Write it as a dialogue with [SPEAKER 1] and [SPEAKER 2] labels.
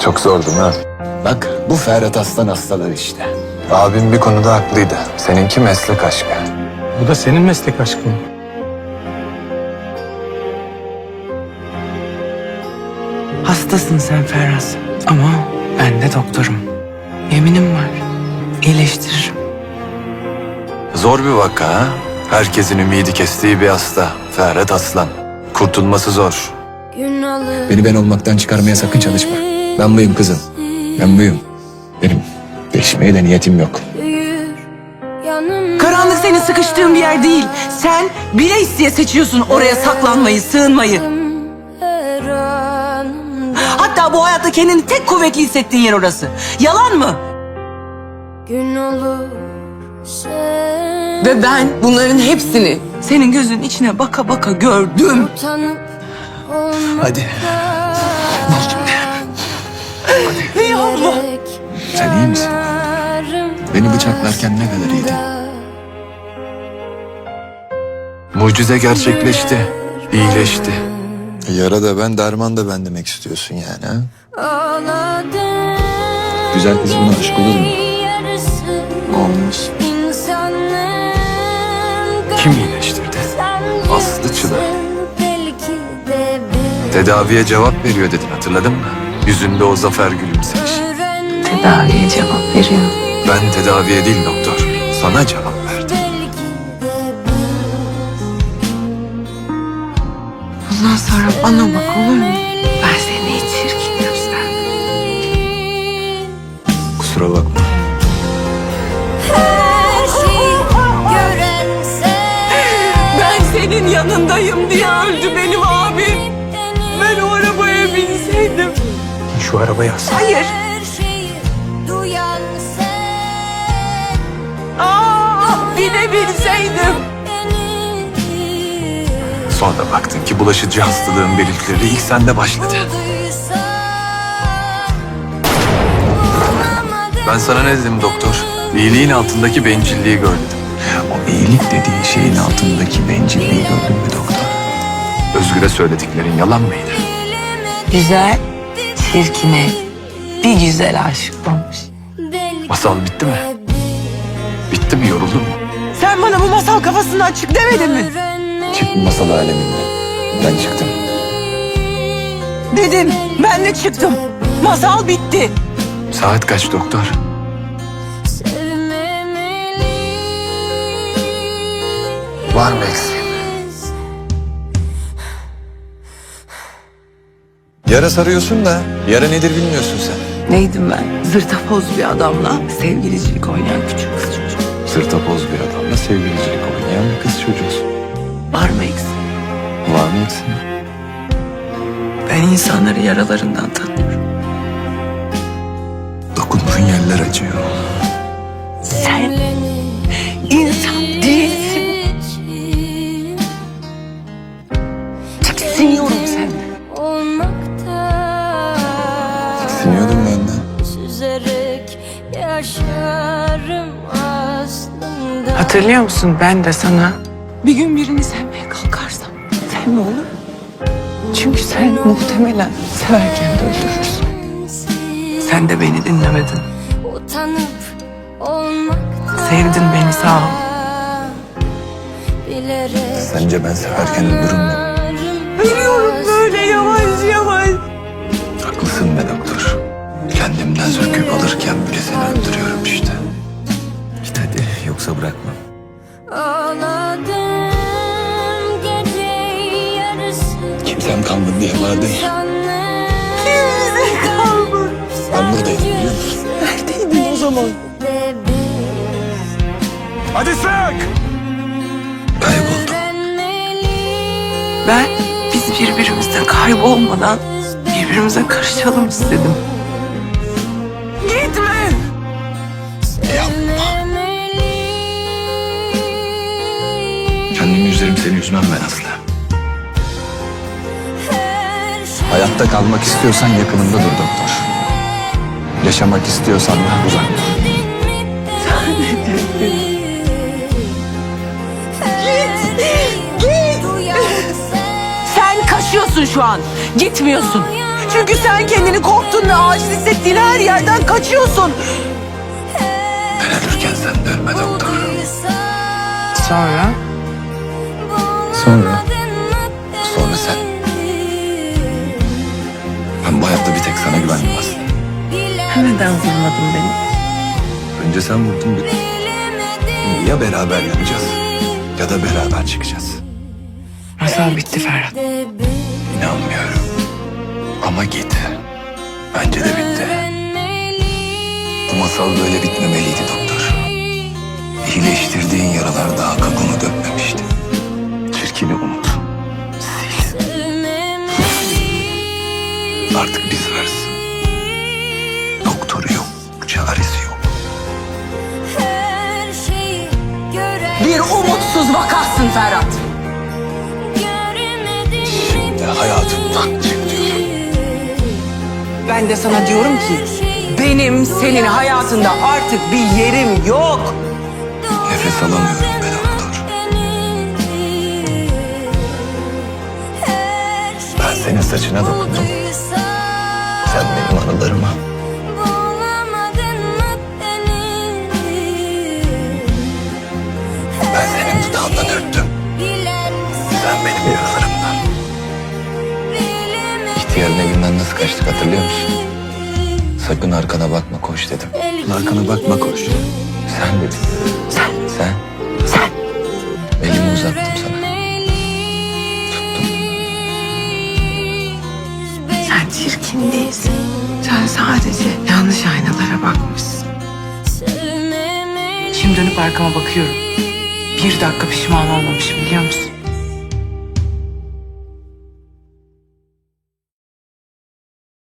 [SPEAKER 1] Çok zordu ha.
[SPEAKER 2] Bak bu Ferhat Aslan hastalığı işte.
[SPEAKER 1] Abim bir konuda haklıydı. Seninki meslek aşkı.
[SPEAKER 3] Bu da senin meslek aşkın.
[SPEAKER 4] Hastasın sen Ferhat. Ama ben de doktorum. Yeminim var. İyileştiririm.
[SPEAKER 1] Zor bir vaka ha. Herkesin ümidi kestiği bir hasta. Ferhat Aslan. Kurtulması zor.
[SPEAKER 2] Beni ben olmaktan çıkarmaya sakın çalışma. Ben buyum kızım. Ben buyum. Benim değişmeye de niyetim yok.
[SPEAKER 4] Karanlık senin sıkıştığın bir yer değil. Sen bile isteye seçiyorsun oraya saklanmayı, sığınmayı. Hatta bu hayatta kendini tek kuvvetli hissettiğin yer orası. Yalan mı?
[SPEAKER 5] Gün olur sen
[SPEAKER 4] Ve ben bunların hepsini senin gözünün içine baka baka gördüm.
[SPEAKER 5] utanıp
[SPEAKER 2] Hadi.
[SPEAKER 4] Ey Allah!
[SPEAKER 2] Sen iyi misin? Beni bıçaklarken ne kadar iyiydin.
[SPEAKER 1] Mucize gerçekleşti. İyileşti. Yara da ben, derman da ben demek istiyorsun yani ha?
[SPEAKER 5] ağladım.
[SPEAKER 2] Güzel kız buna aşık olur mu?
[SPEAKER 5] Yarısı
[SPEAKER 4] Olmuş.
[SPEAKER 5] insanın
[SPEAKER 1] Kim iyileştirdi?
[SPEAKER 5] sen
[SPEAKER 1] Aslı Çınar.
[SPEAKER 5] belki de bir
[SPEAKER 1] Tedaviye cevap veriyor dedin, hatırladın mı? Yüzünde o zafer gülümsemiş.
[SPEAKER 4] Tedaviye cevap veriyor.
[SPEAKER 1] Ben tedaviye değil doktor, sana cevap verdim.
[SPEAKER 4] Bundan sonra bana bak olur mu? Ben seni hiç çirkin göstermem.
[SPEAKER 1] Kusura bakma.
[SPEAKER 5] her şeyi gören sen.
[SPEAKER 4] Ben senin yanındayım diye öldü benim abim. Ben o arabaya binseydim.
[SPEAKER 3] Şu arabaya as.
[SPEAKER 4] Hayır.
[SPEAKER 5] Her şeyi duyan sen.
[SPEAKER 4] Binebilseydim.
[SPEAKER 1] Sonra baktın ki bulaşıcı hastalığın belirtileri ilk sende başladı. Ben sana ne dedim doktor? İyiliğin altındaki bencilliği gör dedim.
[SPEAKER 2] O iyilik dediğin şeyin altındaki bencilliği gördün mü doktor?
[SPEAKER 1] Özgür'e söylediklerin yalan mıydı?
[SPEAKER 4] Güzel, çirkine bir güzel aşık olmuş.
[SPEAKER 1] Masal bitti mi? Bitti mi, yoruldun mu?
[SPEAKER 4] Sen bana bu masal kafasından çık demedin mi?
[SPEAKER 2] Çık bu masal aleminden. Ben çıktım.
[SPEAKER 4] Dedim, ben de çıktım. Masal bitti.
[SPEAKER 1] Saat kaç doktor? Var mı eksiğim? Yara sarıyorsun da yara nedir bilmiyorsun sen.
[SPEAKER 4] Neydim ben? Zırtapoz bir adamla sevgilicilik oynayan küçük kız çocuğu.
[SPEAKER 1] Sırtapoz bir adamla sevgilicilik oynayan bir kız çocuğusun.
[SPEAKER 4] Var mı eksik?
[SPEAKER 1] Var mı eksiğim?
[SPEAKER 4] Ben insanları yaralarından tanıyorum.
[SPEAKER 2] Dokunduğun yerler acıyor.
[SPEAKER 4] Sen insan değilsin. Tiksiniyorum senden.
[SPEAKER 2] Siniyordum benden.
[SPEAKER 5] Süzerek yaşarım aslında.
[SPEAKER 4] Hatırlıyor musun ben de sana bir gün birini sevmeye kalkarsam sevme olur mu? Çünkü sen muhtemelen severken de öldürürsün. Sen de beni dinlemedin.
[SPEAKER 5] Utanıp olmaktan.
[SPEAKER 4] Sevdin beni sağ ol.
[SPEAKER 5] Bilerek
[SPEAKER 2] Sence ben severken ölürüm mü?
[SPEAKER 4] Biliyorum böyle yavaş yavaş.
[SPEAKER 2] Haklısın be doktor. Kendimden söküp alırken bile seni öldürüyorum işte. Git hadi yoksa bırakmam.
[SPEAKER 5] ağladım gece yarısı.
[SPEAKER 2] Kimsem kalmadı diye bağırdın ya.
[SPEAKER 4] Kimse kalmadı.
[SPEAKER 2] Ben buradaydım biliyor musun?
[SPEAKER 4] Neredeydin o zaman?
[SPEAKER 1] Hadi sık!
[SPEAKER 2] Kayboldum.
[SPEAKER 4] Ben biz birbirimizden kaybolmadan birbirimize karışalım istedim. Gitme.
[SPEAKER 2] Kendimi üzerim seni üzmem ben asla. Hayatta kalmak istiyorsan yakınımda dur doktor. Yaşamak istiyorsan da uzak dur.
[SPEAKER 4] Sen kaçıyorsun şu an. Gitmiyorsun. Çünkü sen kendini korktuğun ve aciz hissettiğin her yerden kaçıyorsun.
[SPEAKER 2] Ben ölürken sen de ölme doktor.
[SPEAKER 4] Sonra?
[SPEAKER 2] Sonra sen. Ben bu hayatta bir tek sana güvendim aslında.
[SPEAKER 4] Neden vurmadın beni?
[SPEAKER 2] Önce sen vurdun bitti. Ya beraber yanacağız ya da beraber çıkacağız.
[SPEAKER 4] Masal bitti Ferhat.
[SPEAKER 2] İnanmıyorum. Ama git. Bence de bitti. Bu masal böyle bitmemeliydi doktor. İyileştirdiğin yaralar daha kabuğunu dökmemişti. Çirkini unut. Sil. Artık biz varız. Doktoru yok, çaresi yok.
[SPEAKER 4] Bir umutsuz vakasın Ferhat.
[SPEAKER 2] Şimdi hayatımdan çık diyorum.
[SPEAKER 4] Ben de sana diyorum ki benim senin hayatında artık bir yerim yok.
[SPEAKER 2] Nefes alamıyorum be doktor. Ben senin saçına dokundum. Sen benim anılarıma. Ben senin dudağından öptüm. Sen benim yaralarımdan. İhtiyarın evinden nasıl kaçtık hatırlıyor musun? Sakın arkana bakma koş dedim. Arkana bakma koş. Sen dedin. Sen. Elimi uzattım sana.
[SPEAKER 4] Sen çirkin değilsin. Sen sadece yanlış aynalara bakmışsın. Şimdi dönüp arkama bakıyorum. Bir dakika pişman olmamışım biliyor musun?